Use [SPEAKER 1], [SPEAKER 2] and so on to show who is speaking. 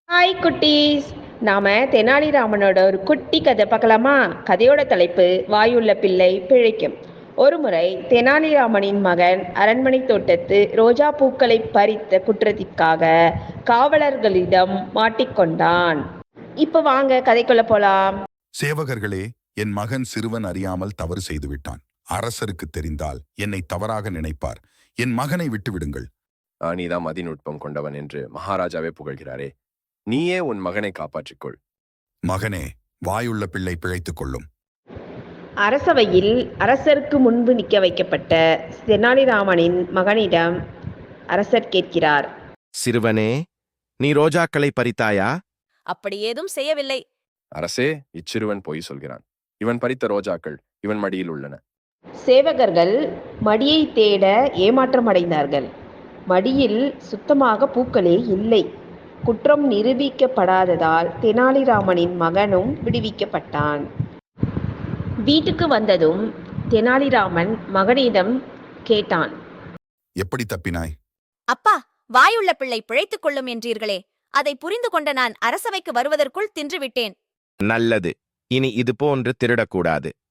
[SPEAKER 1] Hi குட்டீஸ். நாம தெனாலிராமனோட ஒரு குட்டி கதை பார்க்கலாமா? கதையோட தலைப்பு வாயுள்ள பிள்ளை பிழைக்கும். ஒருமுறை தெனாலிராமனின் மகன் அரண்மனை தோட்டத்து ரோஜா பூக்களை பறித்த குற்றத்திற்காக காவலர்களிடம் மாட்டிக்கொண்டான். இப்ப வாங்க கதைக்குள்ள போலாம்.
[SPEAKER 2] சேவகர்களே, என் மகன் சிறுவன் அறியாமல் தவறு செய்துவிட்டான். அரசருக்கு தெரிந்தால் என்னை தவறாக நினைப்பார். என் மகனை விட்டுவிடுங்கள்.
[SPEAKER 3] நீதான் மதிநுட்பம் கொண்டவன் என்று மகாராஜாவே புகழ்கிறாரே. நீயே உன் மகனை காப்பாற்றிக்கொள்.
[SPEAKER 2] மகனே, வாயுள்ள பிள்ளை பிழைத்துக் கொள்ளும்.
[SPEAKER 1] அரசவையில் அரசருக்கு முன்பு நிற்க வைக்கப்பட்ட தெனாலிராமனின் மகனிடம் அரசர் கேட்கிறார்.
[SPEAKER 4] சிறுவனே, நீ ரோஜாக்களை பறித்தாயா?
[SPEAKER 5] அப்படி ஏதும் செய்யவில்லை.
[SPEAKER 3] அரசே, இச்சிறுவன் பொய் சொல்கிறான். இவன் பறித்த ரோஜாக்கள் இவன் மடியில் உள்ளன.
[SPEAKER 1] சேவகர்கள் மடியை தேட ஏமாற்றமடைந்தார்கள். மடியில் சுத்தமாக பூக்களே இல்லை. குற்றம் நிரூபிக்கப்படாததால் தெனாலிராமனின் மகனும் விடுவிக்கப்பட்டான். வீட்டுக்கு வந்ததும் தெனாலிராமன் மகனிடம் கேட்டான்.
[SPEAKER 2] எப்படி தப்பினாய்?
[SPEAKER 5] அப்பா, வாயுள்ள பிள்ளை பிழைத்துக் கொள்ளும் என்றீர்களே, அதை புரிந்து கொண்ட நான் அரசவைக்கு வருவதற்குள் தின்றுவிட்டேன்.
[SPEAKER 4] நல்லது. இனி இது போன்று திருடக்கூடாது.